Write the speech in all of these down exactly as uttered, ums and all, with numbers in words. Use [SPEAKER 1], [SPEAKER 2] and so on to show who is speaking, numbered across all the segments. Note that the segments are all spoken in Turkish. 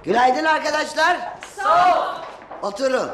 [SPEAKER 1] Günaydın arkadaşlar.
[SPEAKER 2] Sağ ol.
[SPEAKER 1] Oturun.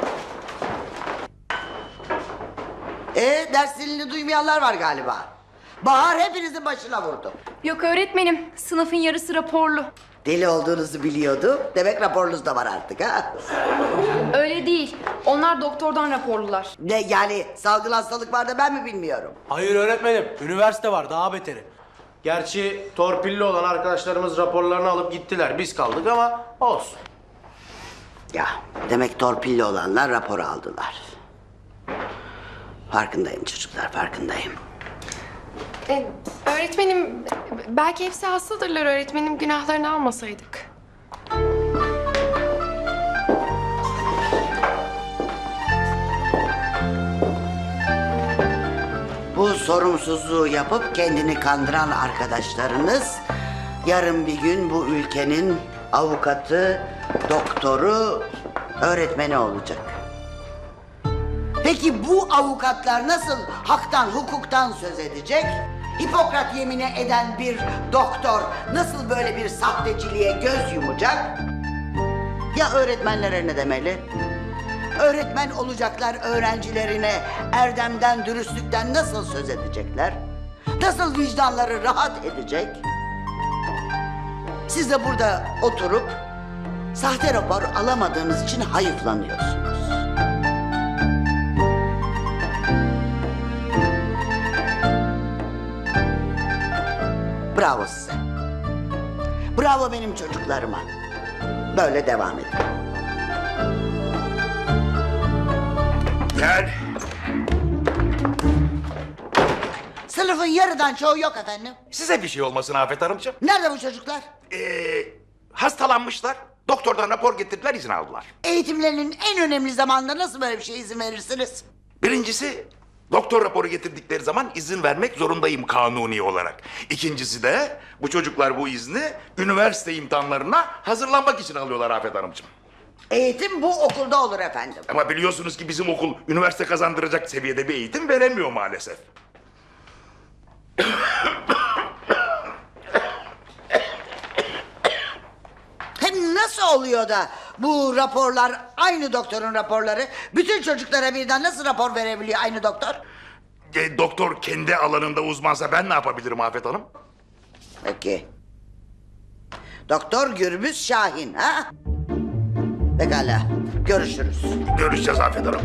[SPEAKER 1] Ee, ders dilini duymayanlar var galiba. Bahar hepinizin başına vurdu.
[SPEAKER 2] Yok öğretmenim, sınıfın yarısı raporlu.
[SPEAKER 1] Deli olduğunuzu biliyordum. Demek raporunuz da var artık ha?
[SPEAKER 2] Öyle değil, onlar doktordan raporlular.
[SPEAKER 1] Ne yani salgın hastalık var da ben mi bilmiyorum?
[SPEAKER 3] Hayır öğretmenim, üniversite var daha beteri. Gerçi torpilli olan arkadaşlarımız raporlarını alıp gittiler. Biz kaldık ama olsun.
[SPEAKER 1] Ya demek torpilli olanlar raporu aldılar. Farkındayım çocuklar, farkındayım.
[SPEAKER 4] Ee, öğretmenim, belki hepsi hastadırlar öğretmenim. Günahlarını almasaydık.
[SPEAKER 1] Bu sorumsuzluğu yapıp kendini kandıran arkadaşlarınız yarın bir gün bu ülkenin avukatı, doktoru, öğretmeni olacak. Peki bu avukatlar nasıl haktan, hukuktan söz edecek? Hipokrat yemini eden bir doktor nasıl böyle bir sahteciliğe göz yumacak? Ya öğretmenlere ne demeli? Öğretmen olacaklar öğrencilerine erdemden, dürüstlükten nasıl söz edecekler? Nasıl vicdanları rahat edecek? Siz de burada oturup sahte rapor alamadığınız için hayıflanıyorsunuz. Bravo size. Bravo benim çocuklarıma. Böyle devam edin.
[SPEAKER 5] Gel.
[SPEAKER 1] Sınıfın yarıdan çoğu yok efendim.
[SPEAKER 5] Size bir şey olmasın Afet Hanımcığım.
[SPEAKER 1] Nerede bu çocuklar?
[SPEAKER 5] Ee, hastalanmışlar. Doktordan rapor getirdiler, izin aldılar.
[SPEAKER 1] Eğitimlerinin en önemli zamanında nasıl böyle bir şeye izin verirsiniz?
[SPEAKER 5] Birincisi, doktor raporu getirdikleri zaman izin vermek zorundayım kanuni olarak. İkincisi de bu çocuklar bu izni üniversite imtihanlarına hazırlanmak için alıyorlar Afet Hanımcığım.
[SPEAKER 1] Eğitim bu okulda olur efendim.
[SPEAKER 5] Ama biliyorsunuz ki bizim okul üniversite kazandıracak seviyede bir eğitim veremiyor maalesef.
[SPEAKER 1] Hem nasıl oluyor da bu raporlar aynı doktorun raporları? Bütün çocuklara birden nasıl rapor verebiliyor aynı doktor?
[SPEAKER 5] E, doktor kendi alanında uzmansa ben ne yapabilirim Afet Hanım?
[SPEAKER 1] Peki. Doktor Gürbüz Şahin ha? Pekala. Görüşürüz.
[SPEAKER 5] Görüşeceğiz Afet Hanım.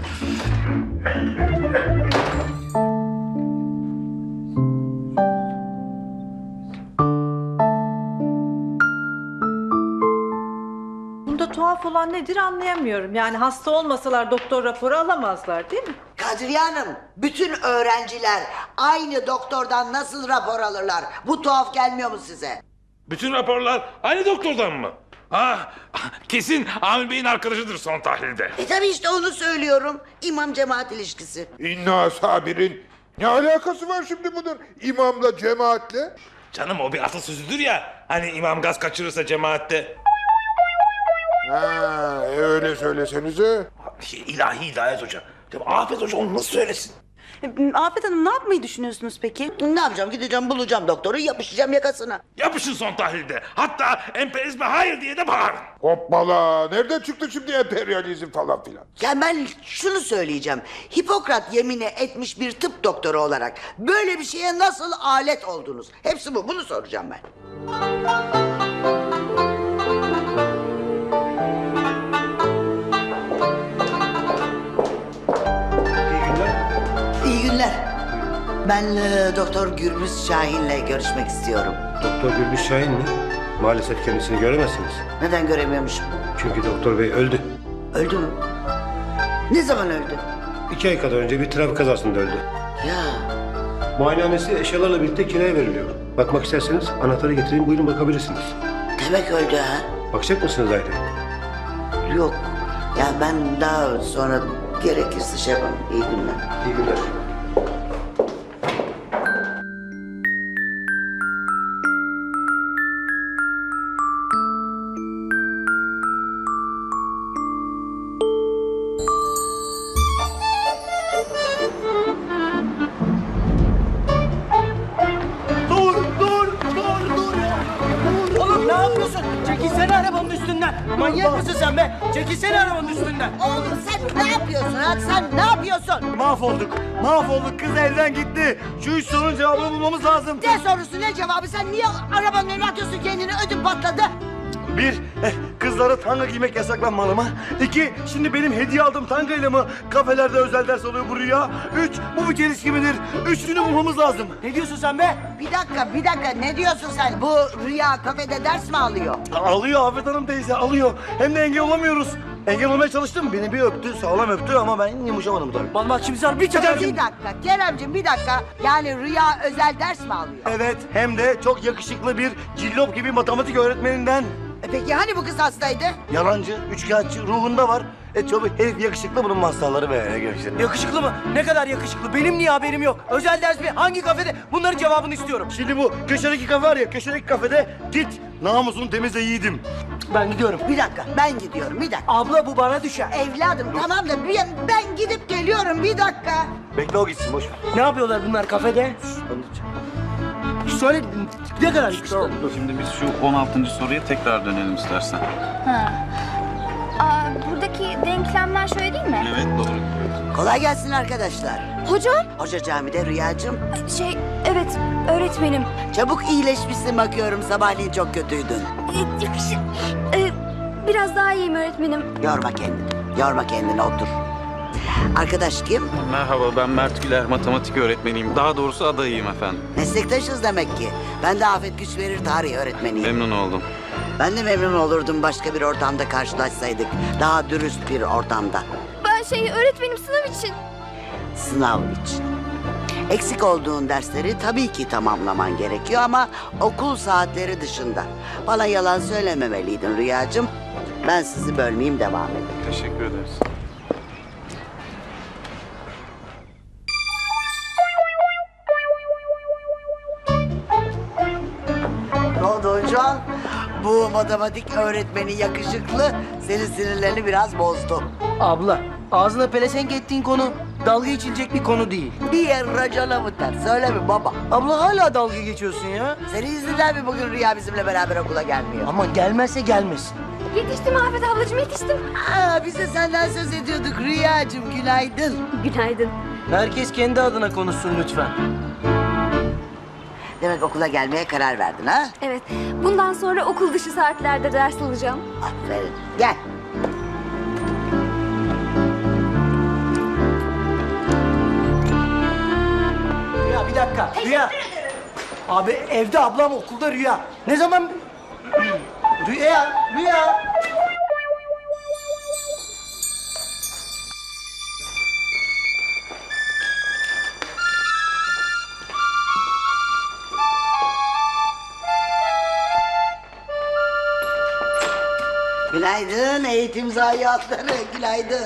[SPEAKER 6] Bunda tuhaf olan nedir anlayamıyorum. Yani hasta olmasalar doktor raporu alamazlar değil mi?
[SPEAKER 1] Kadriye Hanım, bütün öğrenciler aynı doktordan nasıl rapor alırlar? Bu tuhaf gelmiyor mu size?
[SPEAKER 7] Bütün raporlar aynı doktordan mı? Ha, kesin Amir Bey'in arkadaşıdır son tahlilde.
[SPEAKER 1] E tabi işte onu söylüyorum. İmam cemaat ilişkisi.
[SPEAKER 8] İnna sabirin. Ne alakası var şimdi bunun imamla cemaatle?
[SPEAKER 7] Canım o bir atasözüdür ya. Hani imam gaz kaçırırsa cemaatte.
[SPEAKER 8] Ha, e öyle söylesenize.
[SPEAKER 7] Şey, ilahi Hidayet Hoca. Ya, Afet Hoca onu nasıl söylesin?
[SPEAKER 6] Afet Hanım ne yapmayı düşünüyorsunuz peki?
[SPEAKER 1] Ne yapacağım? Gideceğim bulacağım doktoru, yapışacağım yakasına.
[SPEAKER 7] Yapışın son tahlilde. Hatta emperyalizme hayır diye de bağırın.
[SPEAKER 8] Hoppala. Nereden çıktı şimdi emperyalizm falan filan?
[SPEAKER 1] Ya ben şunu söyleyeceğim. Hipokrat yemini etmiş bir tıp doktoru olarak böyle bir şeye nasıl alet oldunuz? Hepsi bu. Bunu soracağım ben. İyi günler. Ben e, Doktor Gürbüz Şahin'le görüşmek istiyorum.
[SPEAKER 9] Doktor Gürbüz Şahin mi? Maalesef kendisini göremezsiniz.
[SPEAKER 1] Neden göremiyormuşum?
[SPEAKER 9] Çünkü doktor bey öldü.
[SPEAKER 1] Öldü mü? Ne zaman öldü?
[SPEAKER 9] İki ay kadar önce bir trafik kazasında öldü.
[SPEAKER 1] Ya
[SPEAKER 9] Muayenehanesi eşyalarla birlikte kiraya veriliyor. Bakmak isterseniz anahtarı getireyim, buyurun bakabilirsiniz.
[SPEAKER 1] demek öldü ha?
[SPEAKER 9] Bakacak mısınız ayrı?
[SPEAKER 1] Yok. Ya ben daha sonra gerekirse şey yaparım. İyi günler.
[SPEAKER 9] İyi günler.
[SPEAKER 3] Dur, dur, dur, dur ya. Dur. Oğlum ne yapıyorsun? Çekilsene arabanın
[SPEAKER 10] Manyak mısın sen be? Çekilsene arabanın üstünden.
[SPEAKER 1] Oğlum sen ne yapıyorsun ha? Sen ne yapıyorsun?
[SPEAKER 10] Mahvolduk. Mahvolduk. Kız elden gitti. Şu üç sorunun cevabını bulmamız lazım.
[SPEAKER 1] Ne sorusu ne cevabı? Sen niye arabanın önüne atıyorsun kendini? Ödüm patladı.
[SPEAKER 10] Bir, eh, kızlara tanga giymek yasaklanmalı mı? İki, şimdi benim hediye aldığım tangayla mı kafelerde özel ders oluyor bu rüya? Üç, bu bir çelişki midir? Üçünü bulmamız lazım. Ne diyorsun sen be?
[SPEAKER 1] Bir dakika, bir dakika. Ne diyorsun sen? Bu Rüya kafede ders mi alıyor?
[SPEAKER 10] Alıyor Afet Hanım teyze, alıyor. Hem de engel olamıyoruz. Engel olmaya çalıştım. Beni bir öptü, sağlam öptü ama ben yumuşamadım tabii. Vallahi şimdi sen bir çakarım.
[SPEAKER 1] Bir dakika, Keremciğim bir dakika. Yani Rüya özel ders mi alıyor?
[SPEAKER 10] Evet, hem de çok yakışıklı bir cillop gibi matematik öğretmeninden.
[SPEAKER 1] E peki hani bu kız hastaydı?
[SPEAKER 10] Yalancı, üçkağıtçı, ruhunda var. E tabii herif yakışıklı, bunun hastaları be. Yakışıklı. yakışıklı mı? Ne kadar yakışıklı? Benim niye haberim yok? Özel ders mi? Hangi kafede? Bunların cevabını istiyorum. Şimdi bu köşedeki kafe var ya, köşedeki kafede git. Namusunu temizle yiğidim. Ben gidiyorum.
[SPEAKER 1] Bir dakika, ben gidiyorum. Bir dakika.
[SPEAKER 10] Abla bu bana düşer.
[SPEAKER 1] Evladım tamam da bir, ben gidip geliyorum. Bir dakika.
[SPEAKER 10] Bekle o gitsin, boş ver. Ne yapıyorlar bunlar kafede? Söyle, ne kadar yakışıklı?
[SPEAKER 11] Şimdi biz şu on altıncı soruya tekrar dönelim istersen.
[SPEAKER 12] Ha. Aa, buradaki denklemler şöyle değil mi?
[SPEAKER 11] Evet, doğru.
[SPEAKER 1] Kolay gelsin arkadaşlar.
[SPEAKER 12] Hocam?
[SPEAKER 1] Hoca camide Rüyacığım.
[SPEAKER 12] Şey, evet öğretmenim.
[SPEAKER 1] Çabuk iyileşmişsin bakıyorum. Sabahleyin çok kötüydün.
[SPEAKER 12] Ee, yakışı- Ee, biraz daha iyiyim öğretmenim.
[SPEAKER 1] Yorma kendini. Yorma kendini otur. Arkadaş kim?
[SPEAKER 11] Merhaba, ben Mert Güler, matematik öğretmeniyim. Daha doğrusu adayıyım efendim.
[SPEAKER 1] Meslektaşız demek ki. Ben de Afet Güç verir tarih öğretmeniyim.
[SPEAKER 11] Memnun oldum.
[SPEAKER 1] Ben de memnun olurdum başka bir ortamda karşılaşsaydık. Daha dürüst bir ortamda.
[SPEAKER 12] Ben şey öğretmenim sınav için.
[SPEAKER 1] Sınav için. Eksik olduğun dersleri tabii ki tamamlaman gerekiyor ama okul saatleri dışında. Bana yalan söylememeliydin Rüyacığım. Ben sizi bölmeyeyim, devam edin.
[SPEAKER 11] Teşekkür ederiz.
[SPEAKER 1] Ne oldu hocam? Bu matematik öğretmeni yakışıklı senin sinirlerini biraz bozdu.
[SPEAKER 10] Abla, ağzına pelesenk ettiğin konu dalga geçilecek bir konu değil.
[SPEAKER 1] Bir yer racona mı ter? Söyle mi baba?
[SPEAKER 10] Abla hala dalga geçiyorsun ya.
[SPEAKER 1] Senin yüzünden mi bugün Rüya bizimle beraber okula gelmiyor?
[SPEAKER 10] Ama gelmezse gelmesin.
[SPEAKER 12] Yetiştim Afet ablacığım yetiştim.
[SPEAKER 1] Aa, biz de senden söz ediyorduk Rüyacığım, günaydın.
[SPEAKER 12] Günaydın.
[SPEAKER 10] Herkes kendi adına konuşsun lütfen.
[SPEAKER 1] Demek okula gelmeye karar verdin ha?
[SPEAKER 12] Evet, bundan sonra okul dışı saatlerde ders alacağım.
[SPEAKER 1] Aferin. Gel.
[SPEAKER 10] Rüya bir dakika. Rüya. Abi evde ablam, okulda Rüya. Ne zaman... Rüya, Rüya.
[SPEAKER 1] Günaydın eğitim zayiatları, günaydın.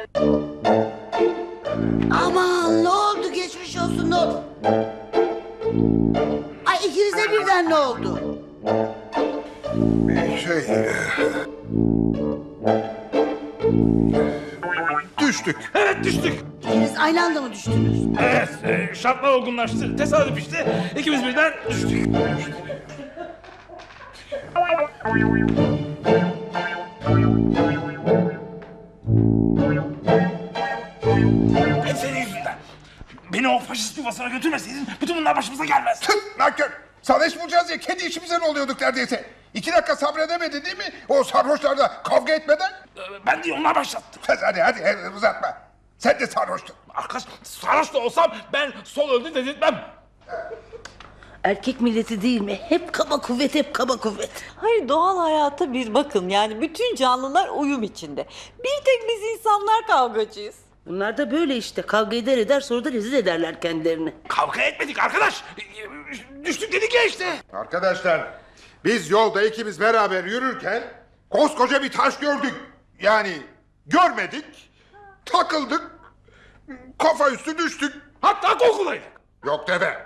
[SPEAKER 1] Aman ne oldu, geçmiş olsun ne oldu? Ay ikinize birden ne oldu?
[SPEAKER 8] Şey... Düştük.
[SPEAKER 7] Evet, düştük.
[SPEAKER 1] İkiniz aynı anda mı düştünüz?
[SPEAKER 7] Evet, e, şartlar olgunlaştı. Tesadüf işte. İkimiz birden düştük. Hep senin yüzünden. Beni o faşist yuvasına götürmeseydin bütün bunlar başımıza gelmez.
[SPEAKER 8] Tüh, nankör. Sarhoş bulacağız ya, kendi işimizden oluyorduk neredeyse. İki dakika sabredemedi değil mi? O sarhoşlarla kavga etmeden.
[SPEAKER 7] Ee, Ben değil, onlar başlattı.
[SPEAKER 8] Hadi hadi, hadi uzatma. Sen de sarhoştun.
[SPEAKER 7] Arkadaş, sarhoş da olsam ben sol öldü dedirtmem.
[SPEAKER 6] Erkek milleti değil mi? Hep kaba kuvvet, hep kaba kuvvet.
[SPEAKER 13] Hayır, doğal hayata bir bakın. Yani bütün canlılar uyum içinde. Bir tek biz insanlar kavgacıyız.
[SPEAKER 6] Bunlar da böyle işte. Kavga eder eder sonra da rezil ederler kendilerini.
[SPEAKER 7] Kavga etmedik arkadaş. Düştük dedik ya işte.
[SPEAKER 8] Arkadaşlar, biz yolda ikimiz beraber yürürken koskoca bir taş gördük. Yani görmedik, takıldık, kafa üstü düştük.
[SPEAKER 7] Hatta korkulaydık.
[SPEAKER 8] Yok dede.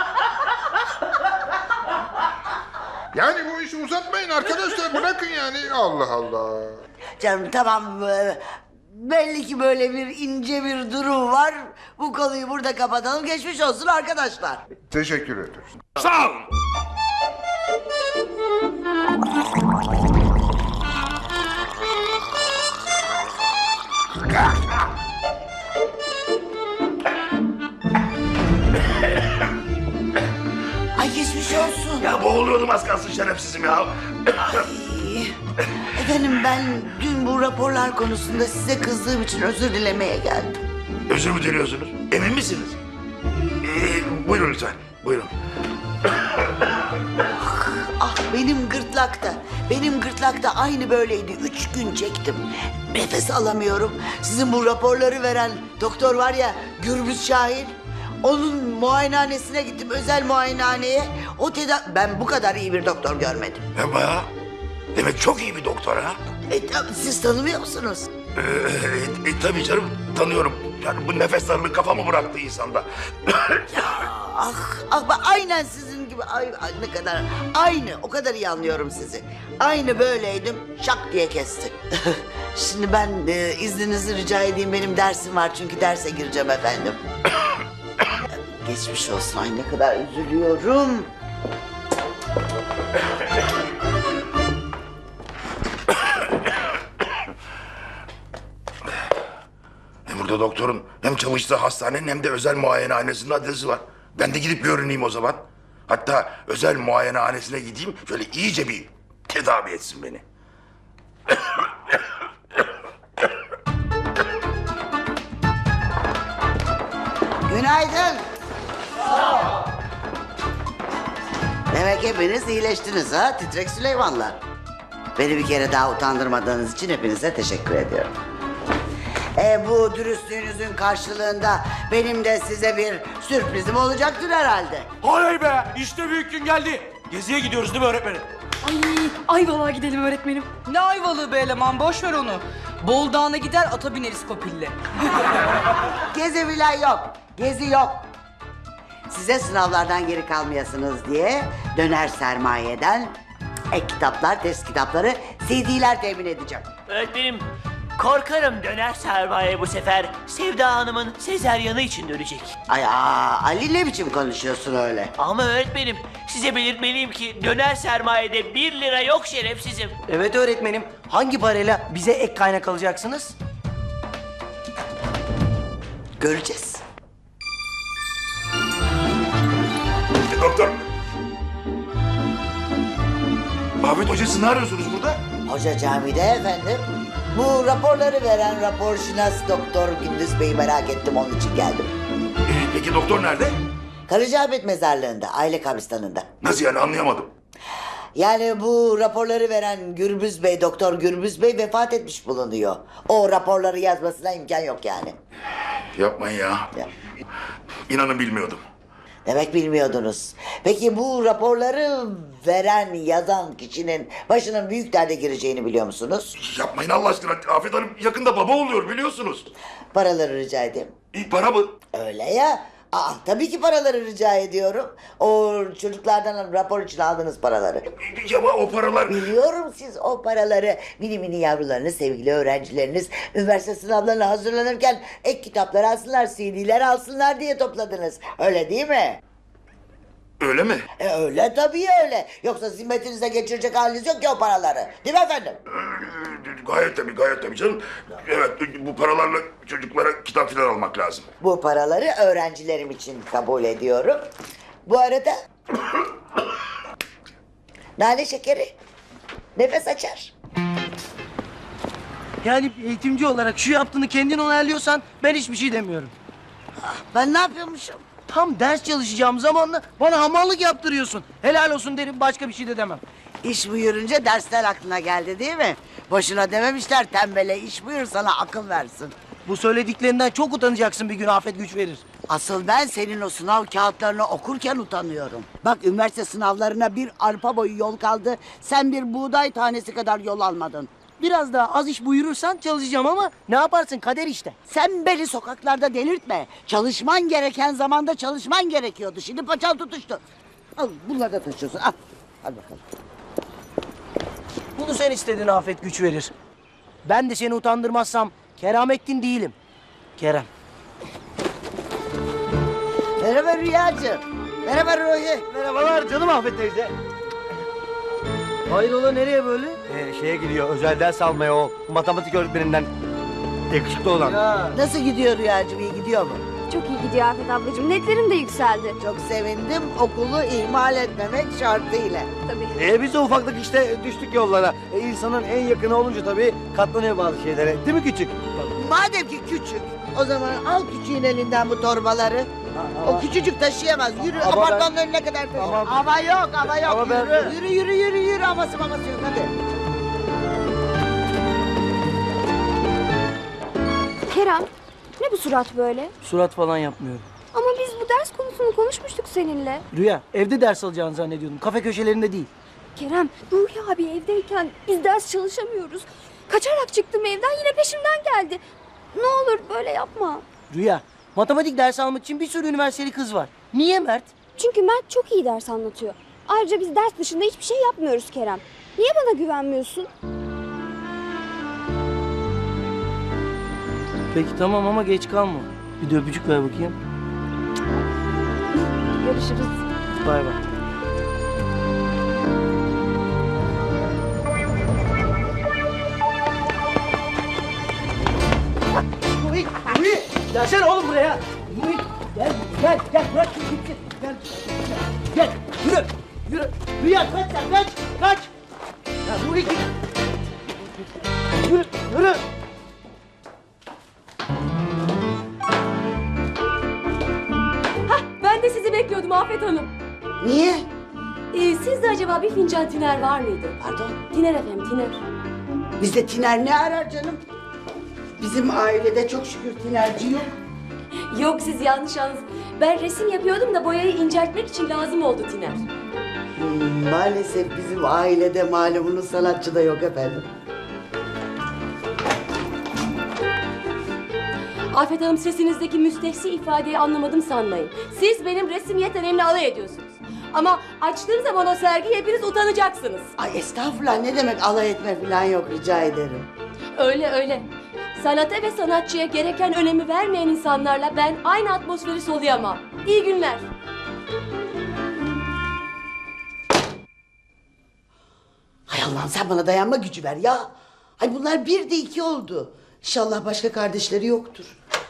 [SPEAKER 8] Yani bu işi uzatmayın arkadaşlar, bırakın yani. Allah Allah.
[SPEAKER 1] Canım tamam, e, belli ki böyle bir ince bir durum var. Bu konuyu burada kapatalım, geçmiş olsun arkadaşlar.
[SPEAKER 8] Teşekkür ederim.
[SPEAKER 7] Sağ olun.
[SPEAKER 1] olsun.
[SPEAKER 5] Ya boğuluyordum az kalsın şerefsizim ya.
[SPEAKER 1] Efendim ben dün bu raporlar konusunda size kızdığım için özür dilemeye geldim.
[SPEAKER 5] Özür mü diliyorsunuz? Emin misiniz? Ee, buyurun lütfen, buyurun.
[SPEAKER 1] Ah benim gırtlakta, benim gırtlakta aynı böyleydi. Üç gün çektim. Nefes alamıyorum. Sizin bu raporları veren doktor var ya, Gürbüz Şahin. Onun muayenehanesine gittim, özel muayenehaneye. O teda ben bu kadar iyi bir doktor görmedim.
[SPEAKER 5] Hem ya, demek çok iyi bir doktor ha.
[SPEAKER 1] E, tabii siz tanımıyor musunuz?
[SPEAKER 5] Ee, e, tabii canım, tanıyorum. Yani bu nefes darlığı kafamı bıraktı insanda.
[SPEAKER 1] Ah, ah ben aynen sizin gibi. Ay, ay, ne kadar aynı, o kadar iyi anlıyorum sizi. Aynı böyleydim, şak diye kesti. Şimdi ben e, izninizi rica edeyim, benim dersim var çünkü derse gireceğim efendim. Geçmiş olsun, ay ne kadar üzülüyorum.
[SPEAKER 5] Burada doktorun hem çalıştığı hastanenin hem de özel muayenehanesinin adresi var. Ben de gidip görüneyim o zaman. Hatta özel muayenehanesine gideyim, şöyle iyice bir tedavi etsin beni.
[SPEAKER 1] Günaydın. Demek hepiniz iyileştiniz ha, titrek Süleymanlar. Beni bir kere daha utandırmadığınız için hepinize teşekkür ediyorum. E, bu dürüstlüğünüzün karşılığında benim de size bir sürprizim olacaktır herhalde.
[SPEAKER 3] Oley be! İşte büyük gün geldi. Geziye gidiyoruz değil mi öğretmenim?
[SPEAKER 2] Ay, Ayvalık'a gidelim öğretmenim.
[SPEAKER 14] Ne Ayvalığı be eleman, boş ver onu. Bol Dağı'na gider, ata bineriz Kopil'le.
[SPEAKER 1] Gezi filan yok, gezi yok. Size sınavlardan geri kalmayasınız diye döner sermayeden ek kitaplar, test kitapları, C D'ler temin edeceğim.
[SPEAKER 10] Öğretmenim, korkarım döner sermaye bu sefer Sevda Hanım'ın sezeryanı için dönecek.
[SPEAKER 1] Ay aa, Ali ne biçim konuşuyorsun öyle?
[SPEAKER 10] Ama öğretmenim, size belirtmeliyim ki döner sermayede bir lira yok şerefsizim. Evet öğretmenim, hangi parayla bize ek kaynak alacaksınız?
[SPEAKER 1] Göreceğiz.
[SPEAKER 5] E, doktor. Ahmet Hoca, siz ne arıyorsunuz burada?
[SPEAKER 1] Hoca camide efendim. Bu raporları veren raporşinas doktor Gündüz Bey'i merak ettim, onun için geldim.
[SPEAKER 5] E, peki doktor nerede?
[SPEAKER 1] Karacaahmet mezarlığında, aile kabristanında.
[SPEAKER 5] Nasıl yani, anlayamadım.
[SPEAKER 1] Yani bu raporları veren Gürbüz Bey, Doktor Gürbüz Bey vefat etmiş bulunuyor. O raporları yazmasına imkan yok yani.
[SPEAKER 5] Yapmayın ya.
[SPEAKER 1] Ya.
[SPEAKER 5] İnanın bilmiyordum.
[SPEAKER 1] Demek bilmiyordunuz. Peki bu raporları veren, yazan kişinin başının büyük derde gireceğini biliyor musunuz?
[SPEAKER 5] Yapmayın Allah aşkına. Afet Hanım yakında baba oluyor, biliyorsunuz.
[SPEAKER 1] Paraları rica edeyim.
[SPEAKER 5] İyi, para mı?
[SPEAKER 1] Öyle ya. Aa, tabii ki paraları rica ediyorum. O çocuklardan rapor için aldığınız paraları.
[SPEAKER 5] Ya ama o paralar...
[SPEAKER 1] Biliyorum, siz o paraları mini mini yavrularınız, sevgili öğrencileriniz üniversite sınavlarına hazırlanırken ek kitaplar alsınlar, C D'ler alsınlar diye topladınız. Öyle değil mi?
[SPEAKER 5] Öyle mi?
[SPEAKER 1] E öyle tabii öyle. Yoksa zimmetinize geçirecek haliniz yok ki o paraları. Değil mi efendim?
[SPEAKER 5] Ee, gayet tabii, gayet tabii canım. Evet, bu paralarla çocuklara kitap falan almak lazım.
[SPEAKER 1] Bu paraları öğrencilerim için kabul ediyorum. Bu arada... nane şekeri nefes açar.
[SPEAKER 10] Yani eğitimci olarak şu yaptığını kendin onaylıyorsan ben hiçbir şey demiyorum.
[SPEAKER 1] Ben ne yapıyormuşum?
[SPEAKER 10] Tam ders çalışacağım zamanla bana hamallık yaptırıyorsun. Helal olsun derim, başka bir şey de demem.
[SPEAKER 1] İş buyurunca dersler aklına geldi değil mi? Boşuna dememişler tembele, iş buyur sana akıl versin.
[SPEAKER 10] Bu söylediklerinden çok utanacaksın bir gün, Afet güç verir.
[SPEAKER 1] Asıl ben senin o sınav kağıtlarını okurken utanıyorum. Bak, üniversite sınavlarına bir arpa boyu yol kaldı. Sen bir buğday tanesi kadar yol almadın.
[SPEAKER 10] Biraz daha az iş buyurursan çalışacağım ama ne yaparsın, kader işte.
[SPEAKER 1] Sen beni sokaklarda delirtme. Çalışman gereken zamanda çalışman gerekiyordu. Şimdi paçan tutuştu. Al, bunları da taşıyorsun. Al. Al bakalım.
[SPEAKER 10] Bunu sen istedin, Afet güç verir. Ben de seni utandırmazsam Keramettin değilim. Kerem.
[SPEAKER 1] Merhaba Rüyacığım. Merhaba Ruhi.
[SPEAKER 10] Merhabalar canım Afet teyze. Hayrola, nereye böyle? Ee, şeye gidiyor, özel ders almaya, o matematik öğretmeninden yakışıklı olan.
[SPEAKER 1] Nasıl gidiyor Rüyacığım, iyi gidiyor mu?
[SPEAKER 12] Çok iyi gidiyor Afet ablacığım. Netlerim de yükseldi.
[SPEAKER 1] Çok sevindim. Okulu ihmal etmemek şartıyla.
[SPEAKER 12] Tabii.
[SPEAKER 10] E biz de ufaklık işte düştük yollara. E, insanın en yakını olunca tabii katlanıyor bazı şeylere. Değil mi küçük?
[SPEAKER 1] Madem ki küçük, o zaman al küçüğün elinden bu torbaları. O küçücük taşıyamaz. Yürü
[SPEAKER 10] Ama
[SPEAKER 1] apartmanın önüne kadar taşı.
[SPEAKER 10] Ama-
[SPEAKER 1] Ama yok, ama yok.
[SPEAKER 10] Ama ben-
[SPEAKER 1] yürü. yürü, yürü, yürü, yürü. Havası maması yok. Hadi.
[SPEAKER 12] Kerem, ne bu surat böyle?
[SPEAKER 10] Surat falan yapmıyorum.
[SPEAKER 12] Ama biz bu ders konusunu konuşmuştuk seninle.
[SPEAKER 10] Rüya, evde ders alacağını zannediyordum. Kafe köşelerinde değil.
[SPEAKER 12] Kerem, Ruhi abi evdeyken biz ders çalışamıyoruz. Kaçarak çıktım evden, yine peşimden geldi. Ne olur böyle yapma.
[SPEAKER 10] Rüya, matematik dersi almak için bir sürü üniversiteli kız var. Niye Mert?
[SPEAKER 12] Çünkü Mert çok iyi ders anlatıyor. Ayrıca biz ders dışında hiçbir şey yapmıyoruz Kerem. Niye bana güvenmiyorsun?
[SPEAKER 10] Peki tamam ama geç kalma. Bir de öpücük ver bakayım.
[SPEAKER 12] Görüşürüz.
[SPEAKER 10] Bay bay. Ruhi, Ruhi, gelsene oğlum buraya. Ruhi, gel, gel, gel, bırak şimdi gitsin. Gel, gel, yürü, yürü. Rüya kaç sen, kaç, kaç. Ya Ruhi git. Yürü, yürü.
[SPEAKER 15] Ben de sizi bekliyordum Afet Hanım.
[SPEAKER 1] Niye?
[SPEAKER 15] Ee, sizde acaba bir fincan tiner var mıydı?
[SPEAKER 1] Pardon?
[SPEAKER 15] Tiner efendim, tiner.
[SPEAKER 1] Bizde tiner ne arar canım? Bizim ailede çok şükür tinerci yok.
[SPEAKER 15] Yok, siz yanlış anladınız. Ben resim yapıyordum da boyayı inceltmek için lazım oldu tiner.
[SPEAKER 1] Hmm, maalesef bizim ailede malumunuz sanatçı da yok efendim.
[SPEAKER 15] Afet Hanım, sesinizdeki müstehsi ifadeyi anlamadım sanmayın. Siz benim resim yeteneğimle alay ediyorsunuz. Ama açtığım zaman o sergiyi hepiniz utanacaksınız.
[SPEAKER 1] Ay estağfurullah, ne demek alay etme falan yok, rica ederim.
[SPEAKER 15] Öyle öyle. Sanata ve sanatçıya gereken önemi vermeyen insanlarla ben aynı atmosferi soluyamam. İyi günler.
[SPEAKER 1] Hay Allah'ım, sen bana dayanma gücü ver ya. Ay bunlar bir de iki oldu. İnşallah başka kardeşleri yoktur.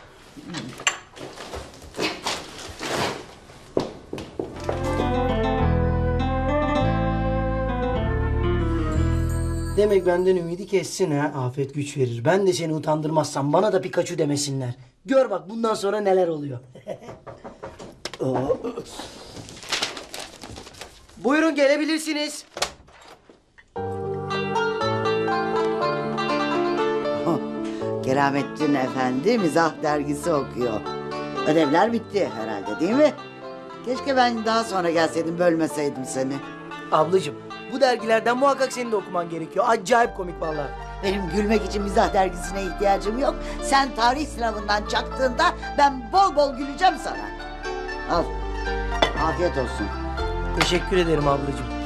[SPEAKER 10] Demek benden ümidi kessin ha. Afet güç verir. Ben de seni utandırmazsam bana da Pikachu demesinler. Gör bak bundan sonra neler oluyor. Buyurun gelebilirsiniz.
[SPEAKER 1] Keramettin Efendi mizah dergisi okuyor. Ödevler bitti herhalde, değil mi? Keşke ben daha sonra gelseydim, bölmeseydim seni.
[SPEAKER 10] Ablacığım bu dergilerden muhakkak senin de okuman gerekiyor. Acayip komik vallahi.
[SPEAKER 1] Benim gülmek için mizah dergisine ihtiyacım yok. Sen tarih sınavından çaktığında ben bol bol güleceğim sana. Al. Afiyet olsun.
[SPEAKER 10] Teşekkür ederim ablacığım.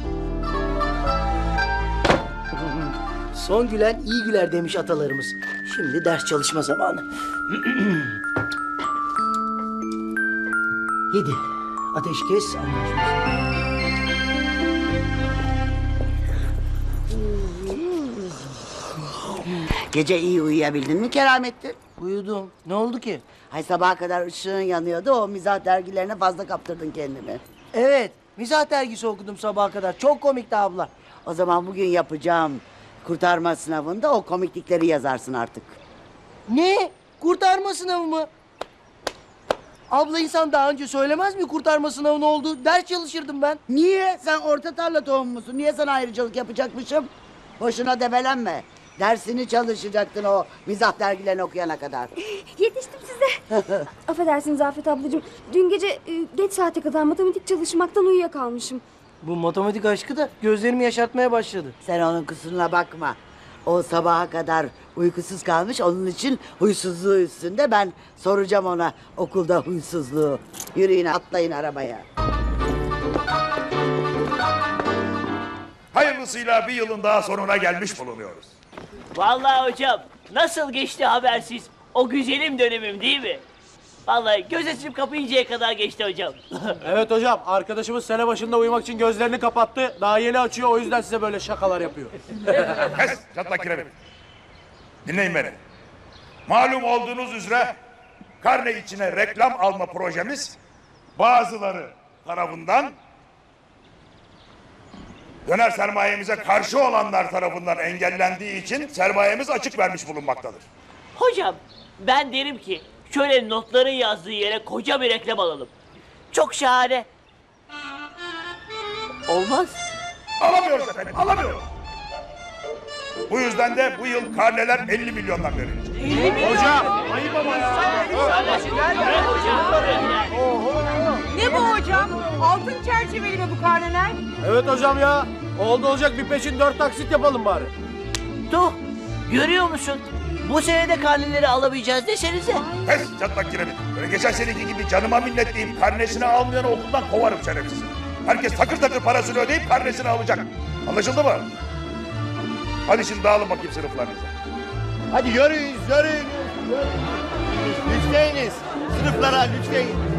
[SPEAKER 10] Son gülen iyi güler demiş atalarımız. Şimdi ders çalışma zamanı. Yedi. Ateşkes anlaşması.
[SPEAKER 1] Gece iyi uyuyabildin mi Keramettin?
[SPEAKER 10] Uyudum. Ne oldu ki?
[SPEAKER 1] Hay sabaha kadar ışığın yanıyordu. O mizah dergilerine fazla kaptırdın kendini.
[SPEAKER 10] Evet. Mizah dergisi okudum sabaha kadar. Çok komikti abla.
[SPEAKER 1] O zaman bugün yapacağım kurtarma sınavında o komiklikleri yazarsın artık.
[SPEAKER 10] Ne? Kurtarma sınavı mı? Abla insan daha önce söylemez mi kurtarma sınavı ne oldu? Ders çalışırdım ben.
[SPEAKER 1] Niye? Sen orta tarla tohumu musun? Niye sana ayrıcalık yapacakmışım? Boşuna debelenme. Dersini çalışacaktın o mizah dergilerini okuyana kadar.
[SPEAKER 12] Yetiştim size. Affedersiniz Afet ablacığım. Dün gece e, geç saate kadar matematik çalışmaktan uyuyakalmışım.
[SPEAKER 10] Bu matematik aşkı da gözlerimi yaşartmaya başladı.
[SPEAKER 1] Sen onun kusuruna bakma. O sabaha kadar uykusuz kalmış, onun için huysuzluğu üstünde. Ben soracağım ona okulda huysuzluğu. Yürüyün, atlayın arabaya.
[SPEAKER 16] Hayırlısıyla bir yılın daha sonuna gelmiş bulunuyoruz.
[SPEAKER 17] Vallahi hocam nasıl geçti habersiz o güzelim dönemim değil mi? Vallahi göz açıp kapayıncaya kadar geçti hocam.
[SPEAKER 3] Evet hocam, arkadaşımız sene başında uyumak için gözlerini kapattı. Daha yeni açıyor, o yüzden size böyle şakalar yapıyor.
[SPEAKER 16] Kes çatlak kiremit. Dinleyin beni. Malum olduğunuz üzere karne içine reklam alma projemiz bazıları tarafından döner sermayemize karşı olanlar tarafından engellendiği için sermayemiz açık vermiş bulunmaktadır.
[SPEAKER 17] Hocam ben derim ki şöyle notların yazdığı yere koca bir reklam alalım. Çok şahane. Olmaz.
[SPEAKER 16] Alamıyoruz efendim, alamıyoruz. Bu yüzden de bu yıl karneler elli milyondan verilecek.
[SPEAKER 17] elli milyon.
[SPEAKER 3] Hocam, ayıp ama ya.
[SPEAKER 14] Ne bu hocam? Altın çerçeveli mi bu karneler?
[SPEAKER 3] Evet hocam ya. Oldu olacak bir peşin dört taksit yapalım bari.
[SPEAKER 17] Tuh, görüyor musun? Bu sene de karneleri alamayacağız desenize.
[SPEAKER 16] Pes çatlak kiremit. Böyle geçen seneki gibi canıma minnet deyip karnesini almayanı okuldan kovarım şerefsiz. Herkes takır takır parasını ödeyip karnesini alacak. Anlaşıldı mı? Hadi şimdi dağılın bakayım sınıflarınıza.
[SPEAKER 10] Hadi yürüyün, yürüyün. Lütfeyiniz. Sınıflara lütfeyin.